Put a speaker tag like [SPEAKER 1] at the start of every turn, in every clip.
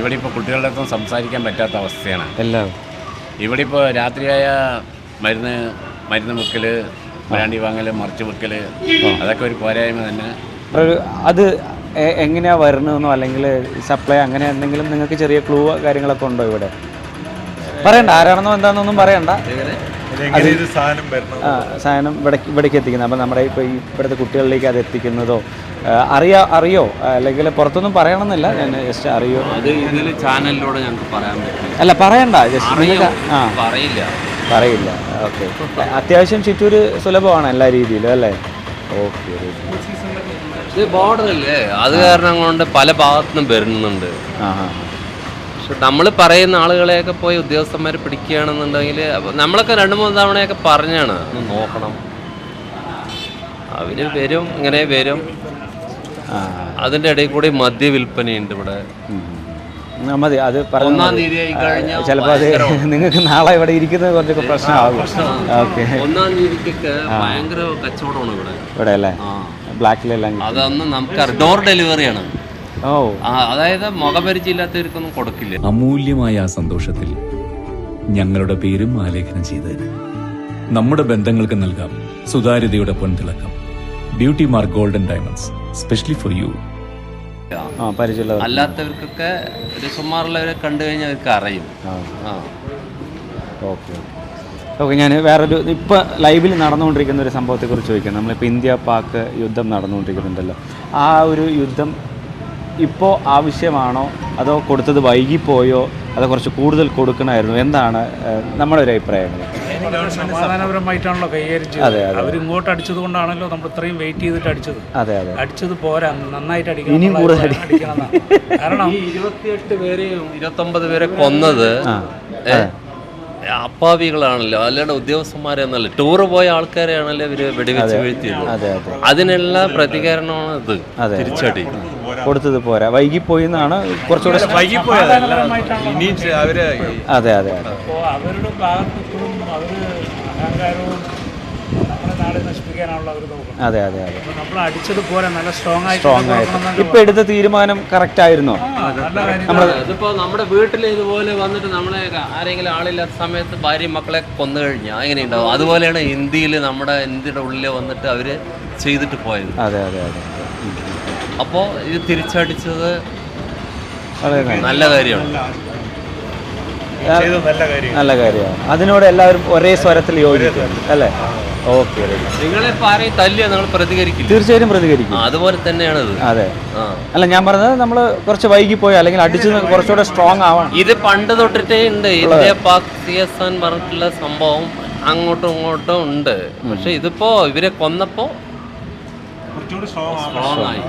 [SPEAKER 1] ഇവിടെ ഇപ്പോൾ കുട്ടികളുടെ അടുത്തും സംസാരിക്കാൻ പറ്റാത്ത അവസ്ഥയാണ്
[SPEAKER 2] എല്ലാം.
[SPEAKER 1] ഇവിടെ ഇപ്പോൾ രാത്രിയായ മരുന്ന് മുക്കൽ, ബ്രാൻഡി വാങ്ങൽ, മറിച്ച് വെക്കൽ, അതൊക്കെ ഒരു പോരായ്മ തന്നെ.
[SPEAKER 2] അത് എങ്ങനെയാണ് വരണമെന്നോ അല്ലെങ്കിൽ സപ്ലൈ അങ്ങനെ എന്തെങ്കിലും നിങ്ങൾക്ക് ചെറിയ ക്ലൂ കാര്യങ്ങളൊക്കെ ഉണ്ടോ ഇവിടെ? പറയണ്ട, ആരാണെന്നോ എന്താണെന്നൊന്നും പറയണ്ട. സാധനം ഇവിടേക്ക് എത്തിക്കുന്നത്, അപ്പം നമ്മുടെ ഇപ്പോൾ ഈ ഇവിടുത്തെ കുട്ടികളിലേക്ക് അത് എത്തിക്കുന്നതോ അറിയോ അല്ലെങ്കിൽ പുറത്തൊന്നും പറയണമെന്നില്ല, ഞാൻ ജസ്റ്റ് അറിയോ?
[SPEAKER 3] അത് ഇതിൽ ചാനലിലൂടെ ഞങ്ങൾക്ക് പറയാൻ പറ്റില്ല.
[SPEAKER 2] അല്ല പറയണ്ട, ജസ്റ്റ് നിങ്ങൾക്ക് പറയില്ല. ഓക്കെ, അത്യാവശ്യം ചിറ്റൂർ സുലഭമാണ് എല്ലാ രീതിയിലും അല്ലേ? ഓക്കെ.
[SPEAKER 3] ഇത് ബോർഡറല്ലേ, അത് കാരണം കൊണ്ട് പല ഭാഗത്തുനിന്നും വരുന്നുണ്ട്. പക്ഷെ നമ്മൾ പറയുന്ന ആളുകളെയൊക്കെ പോയി ഉദ്യോഗസ്ഥന്മാർ പിടിക്കുകയാണെന്നുണ്ടെങ്കിൽ നമ്മളൊക്കെ 2-3 തവണയൊക്കെ പറഞ്ഞാണ് ഒന്ന് നോക്കണം. അവർ വരും, ഇങ്ങനെ വരും. അതിൻ്റെ ഇടയിൽ കൂടി മദ്യ വിൽപ്പനയുണ്ട് ഇവിടെ.
[SPEAKER 2] മതി, അത്
[SPEAKER 3] ഒന്നാം തീയതി ആയി കഴിഞ്ഞാൽ
[SPEAKER 2] ചിലപ്പോൾ അത് നിങ്ങൾക്ക് നാളെ ഇവിടെ ഇരിക്കുന്നത് കുറച്ചൊക്കെ പ്രശ്നമാകും. ഓക്കെ,
[SPEAKER 3] 1-ാം തീയതിക്കൊക്കെ ഭയങ്കര കച്ചവടമാണ് ഇവിടെ
[SPEAKER 2] അല്ലേ? ബ്ലാക്കിലെല്ലാം
[SPEAKER 3] അതൊന്നും നമുക്ക് ഡോർ ഡെലിവറിയാണ്. അതായത് മുഖപരിചയമില്ലാത്തവർക്കൊന്നും കൊടുക്കില്ല.
[SPEAKER 4] അമൂല്യമായ ആ സന്തോഷത്തിൽ ഞങ്ങളുടെ പേരും ആലേഖനം ചെയ്തതിന് നമ്മുടെ ബന്ധങ്ങൾക്ക് നൽകാം സുതാര്യതയുടെ പൊൻതിളക്കം. Beauty mark golden diamonds, specially for you.
[SPEAKER 3] അല്ലാത്തവർക്കൊക്കെ ഒരു സുമാറുള്ളവരെ കണ്ടു കഴിഞ്ഞാൽ അവർക്ക് അറിയും.
[SPEAKER 2] ഓക്കെ, ഞാൻ വേറൊരു ഇപ്പോൾ ലൈവിൽ നടന്നുകൊണ്ടിരിക്കുന്ന ഒരു സംഭവത്തെക്കുറിച്ച് ചോദിക്കാം. നമ്മളിപ്പോൾ ഇന്ത്യ പാക് യുദ്ധം നടന്നുകൊണ്ടിരിക്കുന്നുണ്ടല്ലോ, ആ ഒരു യുദ്ധം ഇപ്പോൾ ആവശ്യമാണോ, അതോ കൊടുത്തത് വൈകിപ്പോയോ, അതോ കുറച്ച് കൂടുതൽ കൊടുക്കണമായിരുന്നു? എന്താണ് നമ്മുടെ ഒരു അഭിപ്രായങ്ങൾ?
[SPEAKER 5] സമാധാനപരമായിട്ടാണല്ലോ കൈകാര്യം. അതെ, അവരിങ്ങോട്ട് അടിച്ചത് കൊണ്ടാണല്ലോ നമ്മൾ ഇത്രയും വെയിറ്റ് ചെയ്തിട്ട് അടിച്ചത്. അടിച്ചത് പോരാ, നന്നായിട്ട് അടിക്കണം.
[SPEAKER 2] ഇനിയും കൂടുതൽ
[SPEAKER 5] അടിക്കണം. കാരണം
[SPEAKER 3] 28 പേരെയും 29 പേരെ കൊന്നത് അപ്പാവികളാണല്ലോ, അല്ലാണ്ട് ഉദ്യോഗസ്ഥന്മാരെന്നല്ല, ടൂറ് പോയ ആൾക്കാരെയാണല്ലോ ഇവര് വെടിവെച്ച് വീഴ്ത്തിയത്. അതിനുള്ള പ്രതികരണമാണ് ഇത്. തിരിച്ചടി
[SPEAKER 2] കൊടുത്തത് പോരാ, വൈകിപ്പോയി എന്നാണ് കുറച്ചുകൂടെ. അതെ,
[SPEAKER 5] അവരുടെ ഭാഗത്ത് അവര് അഹങ്കാരവും നമ്മുടെ നാട് നശിപ്പിക്കാനാണല്ലോ അവർ നോക്കുന്നത്.
[SPEAKER 2] അതെ,
[SPEAKER 5] നമ്മൾ അടിച്ചത് പോരാ, നല്ല സ്ട്രോങ്
[SPEAKER 2] ആയിട്ട്. ഇപ്പൊ എടുത്ത തീരുമാനം കറക്റ്റ് ആയിരുന്നോ?
[SPEAKER 3] ഇതിപ്പോ നമ്മുടെ വീട്ടിൽ ഇതുപോലെ വന്നിട്ട് നമ്മളെ ആരെങ്കിലും ആളില്ലാത്ത സമയത്ത് ഭാര്യയും മക്കളെ കൊന്നു കഴിഞ്ഞാൽ എങ്ങനെ ഉണ്ടാവും? അതുപോലെയാണ് ഇന്ത്യയുടെ ഉള്ളിൽ വന്നിട്ട് അവര് ചെയ്തിട്ട് പോയത്.
[SPEAKER 2] അതെ.
[SPEAKER 3] അപ്പോൾ ഇത് തിരിച്ചടിച്ചത് നല്ല കാര്യമാണ്.
[SPEAKER 2] നല്ല കാര്യമാണ്. അതിനോട് എല്ലാവരും ഒരേ സ്വരത്തിൽ യോജിക്കും അല്ലേ? ഓക്കെ.
[SPEAKER 3] നിങ്ങളിപ്പോൾ ആരെയും തല്ലിയാൽ നിങ്ങൾ പ്രതികരിക്കില്ല?
[SPEAKER 2] തീർച്ചയായും പ്രതികരിക്കും.
[SPEAKER 3] അതുപോലെ തന്നെയാണത്.
[SPEAKER 2] അതെ. അല്ല, ഞാൻ പറഞ്ഞത് നമ്മൾ കുറച്ച് വൈകിപ്പോയി അല്ലെങ്കിൽ അടിച്ചത് കുറച്ചുകൂടെ സ്ട്രോങ് ആവണം.
[SPEAKER 3] ഇത് പണ്ട് തൊട്ടിട്ടേ ഉണ്ട്. ഇന്ത്യ പാക് CSN പറഞ്ഞിട്ടുള്ള സംഭവം അങ്ങോട്ടും ഇങ്ങോട്ടും ഉണ്ട്. പക്ഷെ ഇതിപ്പോ ഇവരെ കൊന്നപ്പോ സ്ട്രോങ് ആയി.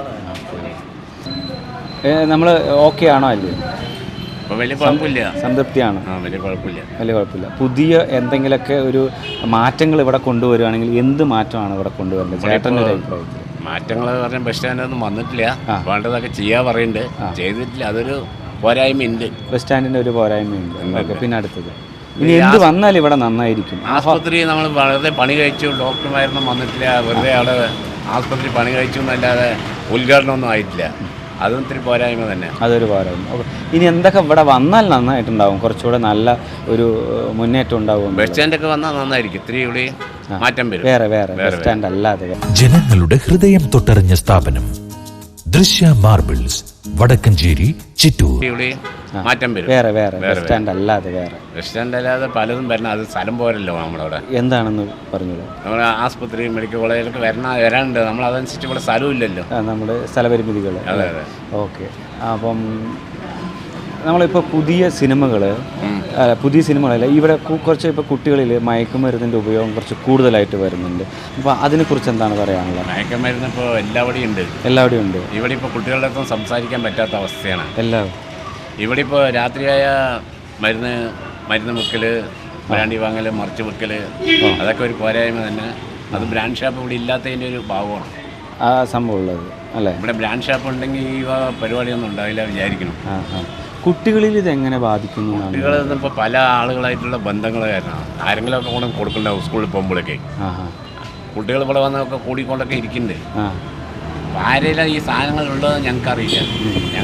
[SPEAKER 2] നമ്മൾ ഓക്കെ ആണോ അല്ലേ?
[SPEAKER 1] വലിയ കുഴപ്പമില്ല,
[SPEAKER 2] സംതൃപ്തിയാണ്.
[SPEAKER 1] വലിയ കുഴപ്പമില്ല.
[SPEAKER 2] പുതിയ എന്തെങ്കിലുമൊക്കെ ഒരു മാറ്റങ്ങൾ ഇവിടെ കൊണ്ടുവരുവാണെങ്കിൽ എന്ത് മാറ്റമാണ് ഇവിടെ കൊണ്ടുവരുന്നത് ചേട്ടൻ്റെ ഒരു അഭിപ്രായത്തിൽ?
[SPEAKER 1] മാറ്റങ്ങൾ പറഞ്ഞാൽ ബസ് സ്റ്റാൻഡൊന്നും വന്നിട്ടില്ല, വേണ്ടതൊക്കെ ചെയ്യാൻ പറയുന്നുണ്ട്, ചെയ്തിട്ടില്ല. അതൊരു പോരായ്മയുണ്ട്,
[SPEAKER 2] ബസ് സ്റ്റാൻഡിൻ്റെ ഒരു പോരായ്മയുണ്ട്. ഓക്കെ, പിന്നെ അടുത്തത് ഇനി എന്ത് വന്നാലും ഇവിടെ നന്നായിരിക്കും.
[SPEAKER 1] ആസ്പത്രി നമ്മൾ വളരെ പണി കഴിച്ചു, ഡോക്ടർമാരൊന്നും വന്നിട്ടില്ല, വെറുതെ അവിടെ ആസ്പത്രി പണി കഴിച്ചു എന്നല്ലാതെ ഉദ്ഘാടനമൊന്നും ആയിട്ടില്ല. അതും ഇത്തിരി പോരായ്മ തന്നെ.
[SPEAKER 2] അതൊരു പോരായ്മ. ഓക്കെ, ഇനി എന്തൊക്കെ ഇവിടെ വന്നാൽ നന്നായിട്ടുണ്ടാവും? കുറച്ചുകൂടെ നല്ല ഒരു മുന്നേറ്റം ഉണ്ടാവും.
[SPEAKER 1] ബസ് സ്റ്റാൻഡൊക്കെ വന്നാൽ നന്നായിരിക്കും, ഇത്തിരി കൂടി മാറ്റം വരും.
[SPEAKER 2] വേറെ ബസ് സ്റ്റാൻഡ് അല്ലാതെ
[SPEAKER 6] ജനങ്ങളുടെ ഹൃദയം തൊട്ടറിഞ്ഞ സ്ഥാപനം ദൃശ്യ മാർബിൾസ്, വടക്കഞ്ചേരി, ചിറ്റൂർ.
[SPEAKER 1] മാറ്റം വരും.
[SPEAKER 2] വേറെ ബസ് സ്റ്റാൻഡ് അല്ലാതെ
[SPEAKER 1] ബസ് സ്റ്റാൻഡ് അല്ലാതെ പലതും വരണം. അത് സ്ഥലം പോരല്ലോ നമ്മളവിടെ.
[SPEAKER 2] എന്താണെന്ന് പറഞ്ഞത്?
[SPEAKER 1] നമ്മുടെ ആസ്പത്രി, മെഡിക്കൽ കോളേജിലൊക്കെ വരാനുണ്ട്. നമ്മൾ അതനുസരിച്ച് ഇവിടെ സ്ഥലമില്ലല്ലോ,
[SPEAKER 2] നമ്മുടെ സ്ഥലപരിമിതികൾ.
[SPEAKER 1] അതെ.
[SPEAKER 2] ഓക്കെ, അപ്പം നമ്മളിപ്പോൾ പുതിയ സിനിമകളല്ല, ഇവിടെ കുറച്ച് ഇപ്പോൾ കുട്ടികളിൽ മയക്കുമരുന്നിൻ്റെ ഉപയോഗം കുറച്ച് കൂടുതലായിട്ട് വരുന്നുണ്ട്. അപ്പോൾ അതിനെക്കുറിച്ച് എന്താണ് പറയാനുള്ളത്?
[SPEAKER 1] മയക്കുമരുന്ന് ഇപ്പോൾ എല്ലാവിടെയും ഉണ്ട്. ഇവിടെ ഇപ്പോൾ കുട്ടികളുടെ അടുത്തും സംസാരിക്കാൻ പറ്റാത്ത അവസ്ഥയാണ്. ഇവിടെ ഇപ്പോൾ രാത്രിയായ മരുന്ന് മുക്കൽ, ബ്രാൻഡി വാങ്ങൽ, മറിച്ച് വെക്കൽ, അതൊക്കെ ഒരു പോരായ്മ തന്നെ. അത് ബ്രാൻഡ് ഷാപ്പ് ഇവിടെ ഇല്ലാത്തതിൻ്റെ ഒരു ഭാവമാണ്
[SPEAKER 2] ആ സംഭവം ഉള്ളത് അല്ലേ?
[SPEAKER 1] ഇവിടെ ബ്രാൻഡ് ഷാപ്പ് ഉണ്ടെങ്കിൽ ഈ പരിപാടിയൊന്നും ഉണ്ടാവില്ല വിചാരിക്കണം.
[SPEAKER 2] കുട്ടികളിൽ ഇതെങ്ങനെ ബാധിക്കുന്നു?
[SPEAKER 1] കുട്ടികളിൽ ഇപ്പോൾ പല ആളുകളായിട്ടുള്ള ബന്ധങ്ങൾ കാരണമാണ്. ആരെങ്കിലുമൊക്കെ കൊണ്ട് കൊടുക്കണ്ടാവും സ്കൂളിൽ പോകുമ്പോഴൊക്കെ. കുട്ടികൾ ഇവിടെ വന്നൊക്കെ കൂടിക്കൊണ്ടൊക്കെ ഇരിക്കുന്നുണ്ട്. ആരെല്ലാം ഈ സാധനങ്ങൾ ഉള്ളത് ഞങ്ങൾക്കറിയില്ല. ഞങ്ങൾ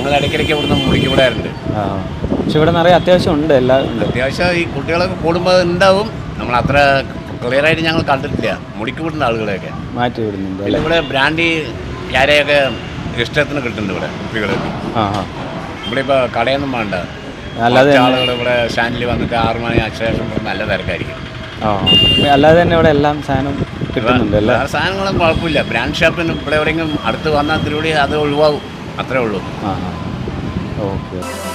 [SPEAKER 1] ഞങ്ങൾ ഇടയ്ക്കിടയ്ക്ക് ഇവിടുന്ന് മുടിക്ക് വിടാറുണ്ട്.
[SPEAKER 2] ആ, പക്ഷെ ഇവിടെ നിറയെ അത്യാവശ്യം ഉണ്ട്, എല്ലാം ഉണ്ട്.
[SPEAKER 1] അത്യാവശ്യം ഈ കുട്ടികളൊക്കെ കൂടുമ്പോൾ ഉണ്ടാവും. നമ്മൾ അത്ര ക്ലിയറായിട്ട് ഞങ്ങൾ കണ്ടിട്ടില്ല മുടിക്ക് വിടുന്ന ആളുകളെയൊക്കെ
[SPEAKER 2] മാറ്റി വിടുന്നുണ്ട്.
[SPEAKER 1] പിന്നെ ഇവിടെ ബ്രാൻഡി ക്യാരയൊക്കെ ഇഷ്ടത്തിന് കിട്ടുന്നുണ്ട് ഇവിടെ കുട്ടികൾക്ക്.
[SPEAKER 2] ആ ആ,
[SPEAKER 1] ഇവിടെ ഇപ്പോൾ കടയൊന്നും വേണ്ട,
[SPEAKER 2] അല്ലാതെ
[SPEAKER 1] ആളുകൾ ഇവിടെ സ്റ്റാൻഡിൽ വന്നിട്ട് 6 മണി ശേഷം നല്ല തിരക്കായിരിക്കും.
[SPEAKER 2] ആ, അല്ലാതെ തന്നെ ഇവിടെ എല്ലാം സാധനം കിട്ടുന്നുണ്ട്. എല്ലാ
[SPEAKER 1] സാധനങ്ങളും കുഴപ്പമില്ല. ബ്രാൻഡ് ഷോപ്പിന് ഇവിടെ എവിടെയെങ്കിലും അടുത്ത് വന്നാൽ തിരുവടി അത് ഒഴിവാകും, അത്രേ ഉള്ളൂ.
[SPEAKER 2] ആ ആ, ഓക്കെ.